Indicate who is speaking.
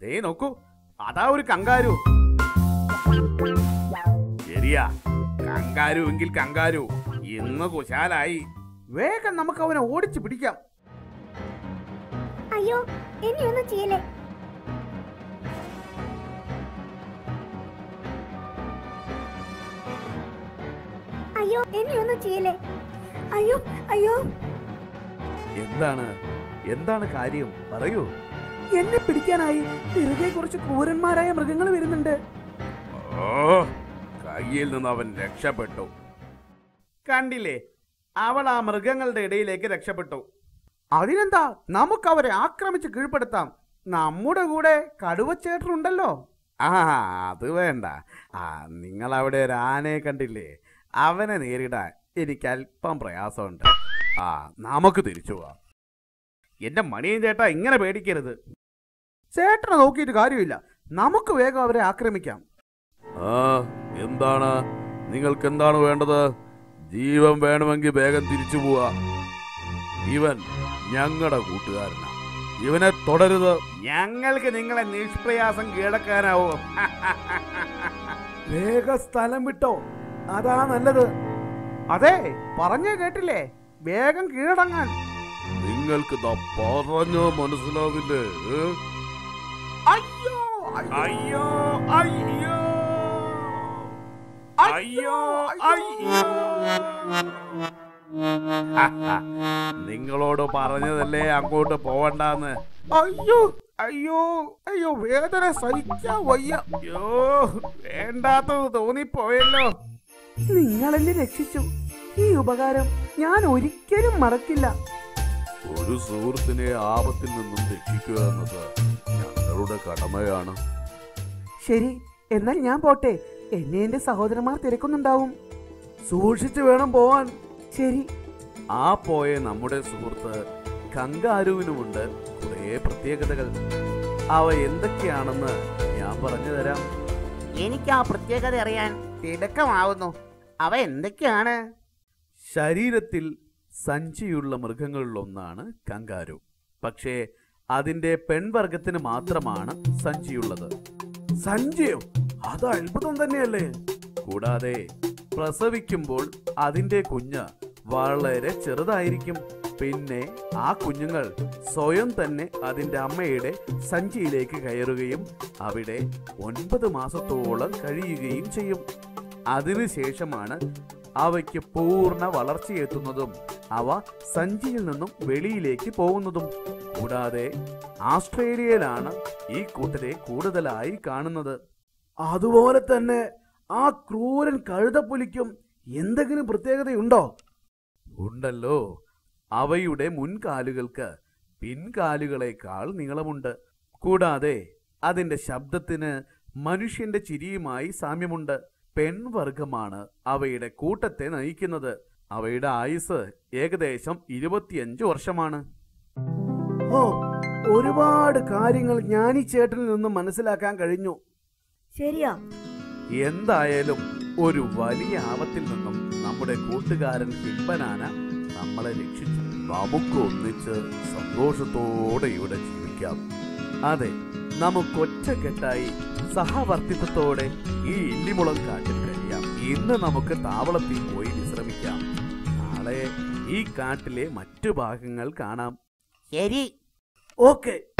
Speaker 1: ദേ നോക്കൂ, അതാ ഒരു കങ്കാരു. ശരിയാ, കങ്കാരു എങ്കിൽ കങ്കാരു ഇന്ന് കുശാലായി. വേഗം നമുക്ക് അവനെ ഓടിച്ചു പിടിക്കാം.
Speaker 2: അയ്യോ, എന്നെ ഒന്നും ചെയ്യലേ. അയ്യോ, എന്നെ ഒന്നും ചെയ്യലേ. അയ്യോ അയ്യോ.
Speaker 1: എന്താണ് കാര്യം, പറയൂ.
Speaker 3: എന്നെ പിടിക്കാനായി വെറുതെ കുറച്ച് ക്രൂരന്മാരായ മൃഗങ്ങൾ വരുന്നുണ്ട്.
Speaker 1: കയ്യിൽ നിന്ന് അവൻ രക്ഷപ്പെട്ടു. കണ്ടില്ലേ, അവൾ ആ മൃഗങ്ങളുടെ ഇടയിലേക്ക് രക്ഷപ്പെട്ടു. അതിനെന്താ, നമുക്ക് അവരെ ആക്രമിച്ച് കീഴ്പ്പെടുത്താം. നമ്മുടെ കൂടെ കടുവച്ചേട്ടനുണ്ടല്ലോ. അത് വേണ്ട. നിങ്ങൾ അവിടെ ഒരു ആനയെ കണ്ടില്ലേ, അവനെ നേരിടാൻ എനിക്ക് അല്പം പ്രയാസമുണ്ട്. നമുക്ക് തിരിച്ചു പോവാം. എന്റെ മണിയൻ ചേട്ടാ, ഇങ്ങനെ പേടിക്കരുത്. ചേട്ടനെ നോക്കിയിട്ട് കാര്യമില്ല, നമുക്ക് വേഗം അവരെ ആക്രമിക്കാം. എന്താണ് നിങ്ങൾക്ക് എന്താണ് വേണ്ടത്? ജീവൻ വേണമെങ്കിൽ വേഗം തിരിച്ചു പോവാ. ഇവൻ ഞങ്ങളുടെ കൂട്ടുകാരനാ, ഇവനെ തുടരുത്. ഞങ്ങൾക്ക് നിങ്ങളെ നിഷ്പ്രയാസം കീഴടക്കാനാവോ?
Speaker 3: വേഗം സ്ഥലം വിട്ടോ, അതാ നല്ലത്.
Speaker 1: അതെ, പറഞ്ഞേ കേട്ടില്ലേ, വേഗം കീഴടങ്ങാൻ. നിങ്ങൾക്ക് പറഞ്ഞോ മനസ്സിലാവില്ലേ? അയ്യോ അയ്യോ അയ്യോ അയ്യോ അയ്യോ. നിങ്ങളോട് പറഞ്ഞതല്ലേ അങ്ങോട്ട് പോവണ്ടെന്ന്. അയ്യോ അയ്യോ അയ്യോ, വേദന സഹിക്കാൻ വയ്യ. അയ്യോ, വേണ്ടാത്തത് തോന്നിപ്പോയല്ലോ.
Speaker 3: നിങ്ങളെന്നെ രക്ഷിച്ചു. ഈ ഉപകാരം ഞാൻ ഒരിക്കലും മറക്കില്ല.
Speaker 1: ഒരു സുഹൃത്തിനെ ആപത്തിൽ നിന്നും രക്ഷിക്കുക എന്നത് ഞങ്ങളുടെ കടമയാണ്.
Speaker 3: ശരി, എന്നാൽ ഞാൻ പോട്ടെ. എന്നെ എന്റെ സഹോദരന്മാർ തിരക്കുന്നുണ്ടാവും. സൂക്ഷിച്ചു വേണം പോവാൻ. ശരി.
Speaker 1: ആ പോയ നമ്മുടെ സുഹൃത്ത് കങ്കാരുവിനുമുണ്ട് കുറെ പ്രത്യേകതകൾ. അവ എന്തൊക്കെയാണെന്ന് ഞാൻ പറഞ്ഞു തരാം.
Speaker 4: എനിക്ക് ആ പ്രത്യേകത അറിയാൻ തിടുക്കമാവുന്നു. അവ എന്തൊക്കെയാണ്?
Speaker 1: ശരീരത്തിൽ സഞ്ചിയുള്ള മൃഗങ്ങളിലൊന്നാണ് കങ്കാരു. പക്ഷേ അതിന്റെ പെൺവർഗത്തിന് മാത്രമാണ് സഞ്ചിയുള്ളത്.
Speaker 3: സഞ്ചിയോ? അത് അത്ഭുതം തന്നെയല്ലേ.
Speaker 1: കൂടാതെ പ്രസവിക്കുമ്പോൾ അതിന്റെ കുഞ്ഞ് വളരെ ചെറുതായിരിക്കും. പിന്നെ ആ കുഞ്ഞുങ്ങൾ സ്വയം തന്നെ അതിന്റെ അമ്മയുടെ സഞ്ചിയിലേക്ക് കയറുകയും അവിടെ 9 മാസത്തോളം കഴിയുകയും ചെയ്യും. അതിനുശേഷമാണ് അവയ്ക്ക് പൂർണ്ണ വളർച്ചയെത്തുന്നതും അവ സഞ്ചിയിൽ നിന്നും വെളിയിലേക്ക് പോകുന്നതും. കൂടാതെ ആസ്ട്രേലിയയിലാണ് ഈ കൂട്ടരെ കൂടുതലായി കാണുന്നത്.
Speaker 3: അതുപോലെ തന്നെ ആ ക്രൂരൻ കഴുതപ്പുലിക്കും എന്തെങ്കിലും പ്രത്യേകതയുണ്ടോ?
Speaker 1: ഉണ്ടല്ലോ. അവയുടെ മുൻകാലുകൾക്ക് പിൻകാലുകളേക്കാൾ നീളമുണ്ട്. കൂടാതെ അതിന്റെ ശബ്ദത്തിന് മനുഷ്യന്റെ ചിരിയുമായി സാമ്യമുണ്ട്. പെൺവർഗമാണ് അവയുടെ കൂട്ടത്തെ നയിക്കുന്നത്. അവയുടെ ആയുസ് ഏകദേശം 25 വർഷമാണ്.
Speaker 3: ഓ, ഒരുപാട് കാര്യങ്ങൾ ഞാൻ ഈ ചേട്ടനിൽ നിന്നും മനസ്സിലാക്കാൻ കഴിഞ്ഞു.
Speaker 2: ശരിയാ.
Speaker 1: എന്തായാലും ഒരു വലിയ ആപത്തിൽ നിന്നും നമ്മുടെ കൂട്ടുകാരൻ ഹിപ്പനാന നമ്മളെ രക്ഷിച്ചു. നമുക്ക് ഒന്നിച്ച് സന്തോഷത്തോടെ ഇവിടെ ജീവിക്കാം. അതെ, നമുക്കൊറ്റക്കെട്ടായി സഹവർത്തിത്വത്തോടെ ഈ ഇല്ലിമുളം കാട്ടിൽ കഴിയാം. ഇന്ന് നമുക്ക് താവളത്തിൽ പോയി വിശ്രമിക്കാം. നാളെ ഈ കാട്ടിലെ മറ്റു ഭാഗങ്ങൾ കാണാം.
Speaker 4: ശരി.
Speaker 3: ഓക്കെ.